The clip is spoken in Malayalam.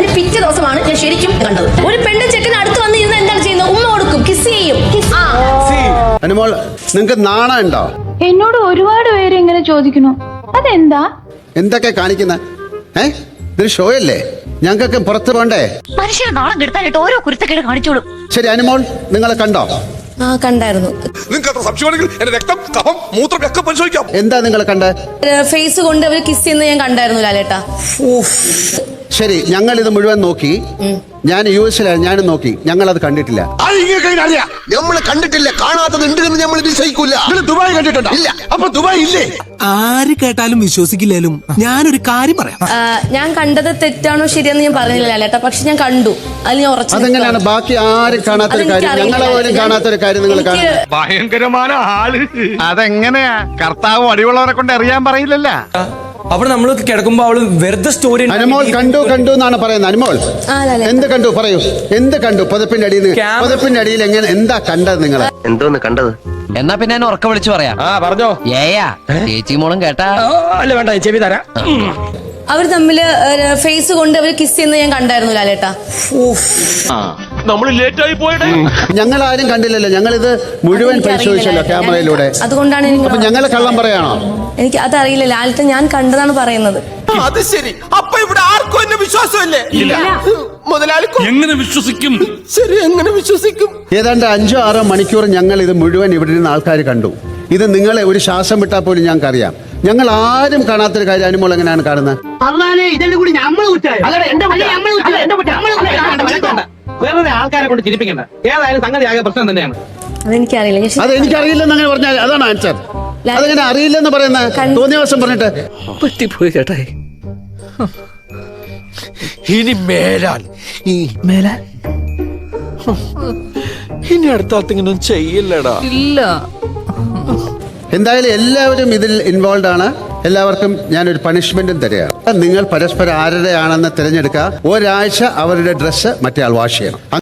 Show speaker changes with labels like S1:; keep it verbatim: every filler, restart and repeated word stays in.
S1: അതിന് പിറ്റേ ദിവസമാണ് ഞാൻ ശരിക്കും കണ്ടത്. ഒരു പെണ്ണ് ചെക്കൻ അടുത്ത് വന്ന് ഇരുന്ന് എന്താണ് ചെയ്യുന്നത്? ഉമ്മ കൊടുക്കും, കിസ് ചെയ്യും.
S2: അനുമോൾ, നിങ്ങൾക്ക് നാണം ഉണ്ടോ?
S3: എന്നോട് ഒരുപാട് പേര് ഇങ്ങനെ ചോദിക്കുന്നു, അതെന്താ?
S2: എന്തൊക്കെ കാണിക്കുന്ന? ഏ ഇതൊരു ഷോ അല്ലേ? ഞങ്ങൾക്ക് പുറത്ത് പോണ്ടേ?
S4: മനുഷ്യരെ നാളം കെടുത്താനായിട്ട് ഓരോ കുരുത്തക്കേട് കാണിച്ചോളും.
S2: ശരി, അനുമോൾ നിങ്ങളെ കണ്ടോ?
S1: ആ, കണ്ടായിരുന്നു.
S5: നിങ്ങൾക്ക് അത്ര സംശയമാണെങ്കിൽ എന്റെ രക്തം, കഫം, മൂത്രം ഒക്കെ പരിശോധിക്കാം.
S2: എന്താ നിങ്ങൾ കണ്ടേ?
S1: ഫേസ് കൊണ്ട് അവർ കിസ് ചെയ്യുന്നത് ഞാൻ കണ്ടായിരുന്നു ലാലേട്ടാ.
S2: ശരി, ഞങ്ങൾ ഇത് മുഴുവൻ നോക്കി. ഞാൻ യു എസിലാണ്, ഞാനും നോക്കി. ഞങ്ങൾ അത് കണ്ടിട്ടില്ല.
S6: നമ്മൾ കണ്ടിട്ടില്ല, കാണാത്തത് ഉണ്ട് എന്ന് നമ്മൾ വിശ്വസിക്കൂല.
S5: ദുബായ് കണ്ടിട്ടുണ്ടോ?
S6: ഇല്ല.
S5: അപ്പൊ ദുബായ് ഇല്ലേ?
S7: ആര് കേട്ടാലും വിശ്വസിക്കില്ലേലും ഞാനൊരു കാര്യം പറയാം.
S1: ഞാൻ കണ്ടത് തെറ്റാണോ ശരിയെന്ന് ഞാൻ പറഞ്ഞില്ല ലാലേട്ടാ, പക്ഷെ ഞാൻ കണ്ടു. അതിൽ ഞാൻ ഉറച്ചു.
S2: അതെങ്ങനെയാണ് ബാക്കി ആരും കാണാത്തൊരു കാര്യം, ഞങ്ങളെ പോലും കാണാത്തൊരു കാര്യം നിങ്ങൾ കാണും?
S5: ഭയങ്കരമായ ആള്.
S8: അതെങ്ങനെയാ? കർത്താവ് അടിയുള്ളവരെ കൊണ്ട് അറിയാൻ പറയില്ലല്ലോ.
S9: അവിടെ നമ്മൾ കിടക്കുമ്പോ അവള് വെറുതെ സ്റ്റോറി.
S2: അനുമോൾ കണ്ടു കണ്ടു എന്നാണ് പറയുന്നത്. അനുമോൾ എന്ത് കണ്ടു? പറയൂ, എന്ത് കണ്ടു? പതിപ്പിന്റെ അടിയിൽ പതിപ്പിന്റെ അടിയിൽ എങ്ങനെ എന്താ കണ്ടത് നിങ്ങൾ?
S6: എന്തോന്ന് കണ്ടത്?
S10: എന്നാ പിന്നെ എന്നെ ഉറക്ക വിളിച്ചു പറയാം.
S9: ആ പറഞ്ഞോ.
S10: ഏയാ ചേച്ചി മോളും കേട്ടാ?
S9: അല്ല വേണ്ട, ചെവി തരാം.
S1: അവർ തമ്മില് ഫേസ് കൊണ്ട് അവർ കിസ് ചെയ്യുന്നത് ഞാൻ കണ്ടായിരുന്നു ലാലേട്ടാ.
S5: നമ്മൾ ലേറ്റ് ആയി പോയത്.
S2: ഞങ്ങൾ ആരും കണ്ടില്ലല്ലോ, ഞങ്ങൾ ഇത് മുഴുവൻ പരിശോധിച്ചല്ലോ ക്യാമറയിലൂടെ.
S1: അതുകൊണ്ടാണ് എനിക്ക്
S2: അപ്പൊ ഞങ്ങളെ കള്ളം പറയാണോ?
S1: എനിക്ക് അതറിയില്ല ലാലേട്ടൻ, ഞാൻ കണ്ടതാണ് പറയുന്നത്.
S5: അത് ശരി. അപ്പൊ ഇവിടെ ആർക്കും എന്നെ വിശ്വാസമല്ലേ? മുതലാളിക്കും എങ്ങനെ വിശ്വസിക്കും? ശരി, എങ്ങനെ വിശ്വസിക്കും?
S2: ഏതാണ്ട് അഞ്ചോ ആറോ മണിക്കൂർ ഞങ്ങൾ ഇത് മുഴുവൻ ഇവിടെ നിന്ന് ആൾക്കാർ കണ്ടു. ഇത് നിങ്ങളെ ഒരു ശ്വാസം വിട്ടാൽ പോലും ഞങ്ങൾക്ക് അറിയാം. ഞങ്ങൾ ആരും കാണാത്തൊരു കാര്യം അനുമോൾ എങ്ങനെയാണ് കാണുന്നത്?
S9: വേറെ ആൾക്കാരെ കൊണ്ട് ചിരിപ്പിക്കണ്ട. ഏതായാലും സംഗതി ആകെ പ്രശ്നം തന്നെയാണ്.
S1: അതെനിക്കറിയില്ല.
S2: അത് എനിക്കറിയില്ലെന്ന് അങ്ങനെ പറഞ്ഞാൽ അതാണ് ആൻസർ. അതെങ്ങനെ അറിയില്ലെന്ന് പറയുന്നത്? തോന്നിയ ദിവസം പറഞ്ഞിട്ട്
S9: പറ്റിപ്പോയി ചേട്ടായി.
S5: ഇനി മേലാൽ
S9: ഈ മേലാൽ
S5: ഇനി അടുത്ത ഇങ്ങനെ ചെയ്യില്ലടാ.
S2: എന്തായാലും എല്ലാവരും ഇതിൽ ഇൻവോൾവ് ആണ്. എല്ലാവർക്കും ഞാനൊരു പണിഷ്മെന്റും തരികയാണ്. നിങ്ങൾ പരസ്പരം ആരുടെയാണെന്ന് തിരഞ്ഞെടുക്കുക. ഒരാഴ്ച അവരുടെ ഡ്രസ്സ് മറ്റേ ആൾ വാഷ് ചെയ്യണം.